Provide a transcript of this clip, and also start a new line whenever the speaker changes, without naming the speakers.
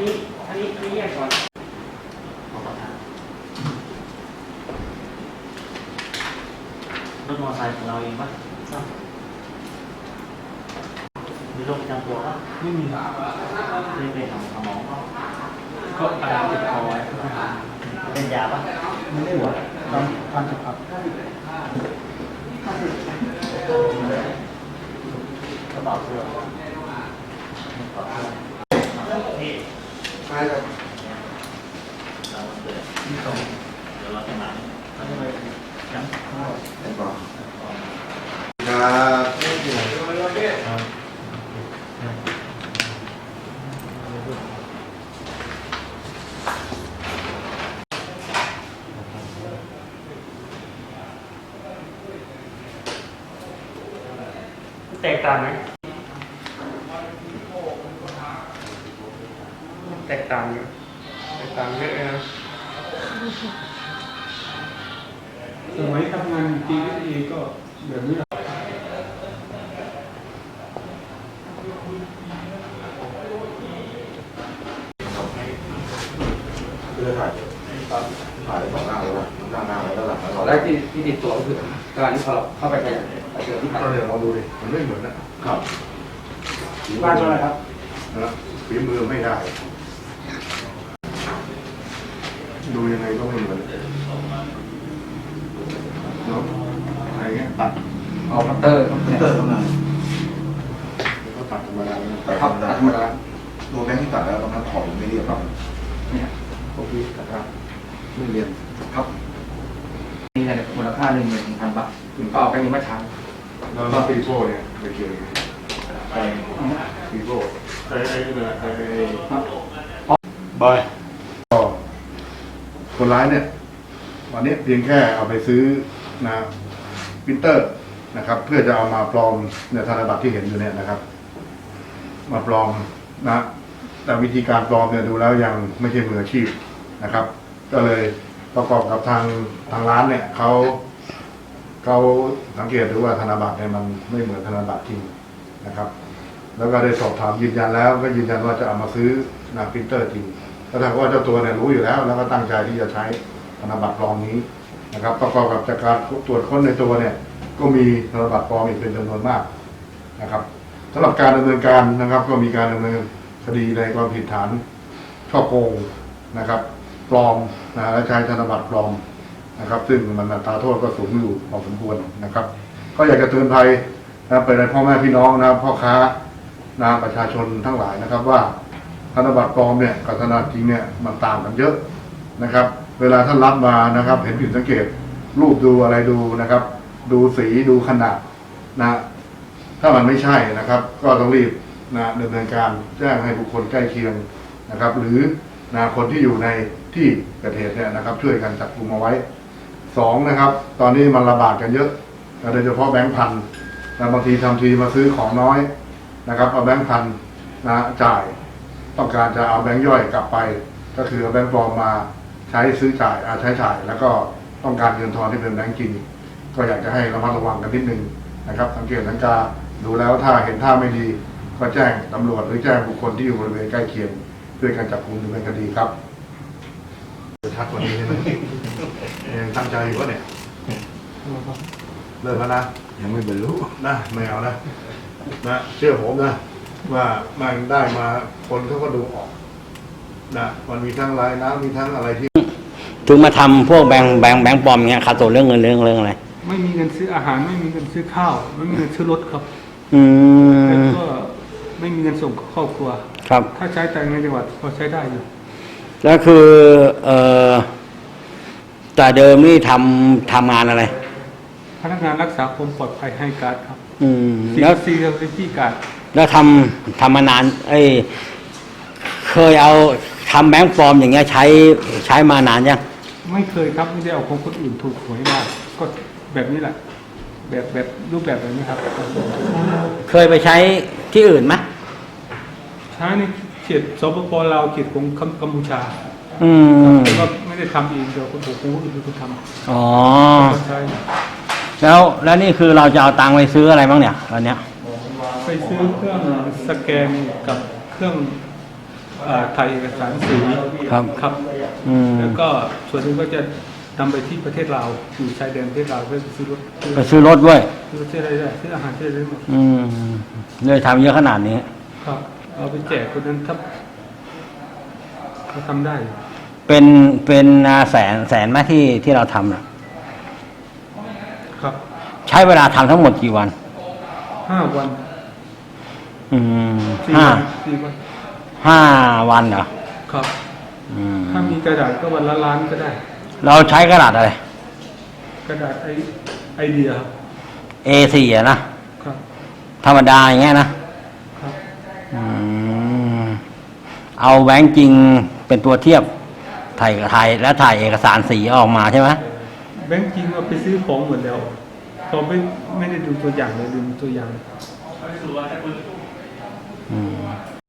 นี้แยกก่อนรถมอเตอร์ไซค์ของเราเองปะมีโรคประจำตัวปะ
ไม่มี
ไม่ไปหาหมอ
ก็อาการติดคอไว้
เป็นยาปะ
ไม่ได้หัวทานจุกครับ
กระเป๋าเสื้อนี่
ใช่ครับ
เราเดี๋ยวเราจะมาจัง
เป็นก่อนครับ
แตกต่างไหมแตกต่างเยอะเลยนะ
สมัยทำงานจริงเองก็แบบนี้
คือถ่ายสองหน้าแล้วหน้าแล้วหลังแล้ว
ตอนแรกที่ติดตัวก็คือการที่พอเราเข้าไปไปเจอที่ผ่าน
เดี๋ยวลองดูดิมันไม่เหมือนนะครับ
บ้านเท่าไหร่ครับ
นะฝีมือไม่ได้ดูยังไงก็ไม่เหมือนเนาะอะไรเงี้ยตัด
เอาคัตเตอร์
เท่านั้นก็ตัดธรรมดาตัดธรรมดา
ธรรมดา
ตัวแบงค์ที่ตัดแล้วตรงนั้นขอบไม่เรียบครับ
เนี่ย
พวกพี่นะครับไม่เรียน
ครับมีแต่มูลค่า11,000 บาทก็เอาไปนี้มาใช้
แล้วปีโป้เนี่ยไปเกี่ยวปีโป้บอยก็คนร้ายเนี่ยวันนี้เพียงแค่เอาไปซื้อนะปรินเตอร์นะครับเพื่อจะเอามาปลอมเนี่ยธนบัตรที่เห็นอยู่เนี่ยนะครับมาปลอมนะแต่วิธีการปลอมเนี่ยดูแล้วยังไม่ใช่มืออาชีพนะครับก็เลยประกอบกับทางร้านเนี่ยเขาสังเกตดูว่าธนบัตรเนี่ยมันไม่เหมือนธนบัตรจริงนะครับแล้วก็ได้สอบถามยืนยันแล้วก็ยืนยันว่าจะเอามาซื้อนะปรินเตอร์จริงแล้วถ้าว่าเจ้าตัวเนี่ยรู้อยู่แล้วแล้วก็ตั้งใจที่จะใช้ธนบัตรปลอมนี้นะครับประกอบกับจากการตรวจค้นในตัวเนี่ยก็มีธนบัตรปลอมอีกเป็นจำนวนมากนะครับสำหรับการดำเนินการนะครับก็มีการดำเนินคดีในความผิดฐานฉ้อโกงนะครับปลอมนะและใช้ธนบัตรปลอมนะครับซึ่งมันอัตราโทษก็สูงอยู่พอสมควรนะครับก็อยากจะเตือนภัยนะไปในพ่อแม่พี่น้องนะพ่อค้านะประชาชนทั้งหลายนะครับว่าธนบัตรปลอมเนี่ยกับธนบัตรจริงเนี่ยมันต่างกันเยอะนะครับเวลาท่านรับมานะครับเห็นผิดสังเกตรูปดูอะไรดูนะครับดูสีดูขนาดนะถ้ามันไม่ใช่นะครับก็ต้องรีบนะดำเนินการแจ้งให้บุคคลใกล้เคียงนะครับหรือนะคนที่อยู่ในที่เกิดเหตุเนี่ยนะครับช่วยกันจับกุมเอาไว้2นะครับตอนนี้มันระบาดกันเยอะโดยเฉพาะแบงค์พันนะบางทีทำทีมาซื้อของน้อยนะครับเอาแบงค์พันนะจ่ายต้องการจะเอาแบงค์ย่อยกลับไปก็คือเอาแบงค์ปลอมมาใช้ซื้อจ่ายใช้จ่ายแล้วก็ต้องการเงินทอนที่เป็นแบงค์จริงก็อยากจะให้ระมัดระวังกันนิดนึงนะครับสังเกตสังกาดูแล้วถ้าเห็นท่าไม่ดีก็แจ้งตำรวจหรือแจ้งบุคคลที่อยู่บริเวณใกล้เคียงเพื่อการจับกุมดำเนินคดีครับชัดกว่านี้ใช่ไหมยังตั้งใจอยู่วะเนี่ยเลิกแล้วนะยังไม่บรรลุนะไม่เอานะเชื่อผมนะว่ามันได้มาคนเขาก็ดูออกนะมันมีทั้งลายน้ำมีทั้งอะไรที่
ถึงมาทำพวกแบงค์ปลอมเงี้ยขาดตัวเรื่องเงินเรื่องอะไร
ไม่มีเงินซื้ออาหารไม่มีเงินซื้อข้าวไม่มีเงินซื้อรถครับแล้วก็ไม่มีเงินส่งครอบครัว
ครับ
ถ้าใช้แต่ในจังหวัดพอใช้ได้อยู่
แล้วคือแต่เดิมนี่ทำงานอะไร
พนักงานรักษาความปลอดภัยให้การครับ
แล้ว
ที่การ
แล้วทำมานานเคยเอาทำแบงค์ปลอมอย่างเงี้ยใช้มานานยัง
ไม่เคยครับไม่ได้เอาของคนอื่นถูกหวยมาก็แบบนี้แหละแบบรูปแบบแบบนี้ครับ
เคยไปใช้ที่อื่นไหม
ใช้ในเขตสปป.ลาวเขตของกัมพูชาแต่ว่าไม่ได้ทำเองเดี๋ยวคนอื่นเป็นคนทำ
อ๋อแล้วนี่คือเราจะเอาตังค์ไปซื้ออะไรบ้างเนี่ยตอนเนี้ย
ไปซื้อเครื่องสแกนกับเครื่องถ่ายเอกสารสื่อ
ครับ
ครับ
อืม
แล้วก็ส่วนหนึงก็จะนำไปที่ประเทศลาวอยู่ชายแดนประเทศลาวเพื่อซื้อรถ
ไปซื้อรถด้วย
ซื้อรถที่อะไรได้ซื้ออาหารที่อะไรได้หมด
อืมเลยทำเยอะขนาดนี้
ครับเอาไปแจกคนนั้นถ้าเขาทำได้
เป็นแสนไหมที่เราทำน่ะ
ครับ
ใช้เวลาทำทั้งหมดกี่วัน
5 วัน
อืม
4
ห้า
วัน4 วัน
วันเหรอ
ครับ
อืม
ถ้ามีกระดาษก็วันละล้านก็ได้
เราใช้กระดาษอะไร
กระดาษไอเดียครับ
A4 อะนะครับ ธรรมดาอย่างเงี้ยนะครับ อืมเอาแบงค์จริงเป็นตัวเทียบถ่ายและถ่ายเอกสารสีออกมาใช่ไหม
แบงค์จริงเอาไปซื้อของหมดแล้วเราไม่ได้ดูตัวอย่างเลยดูตัวอย่าง
อืม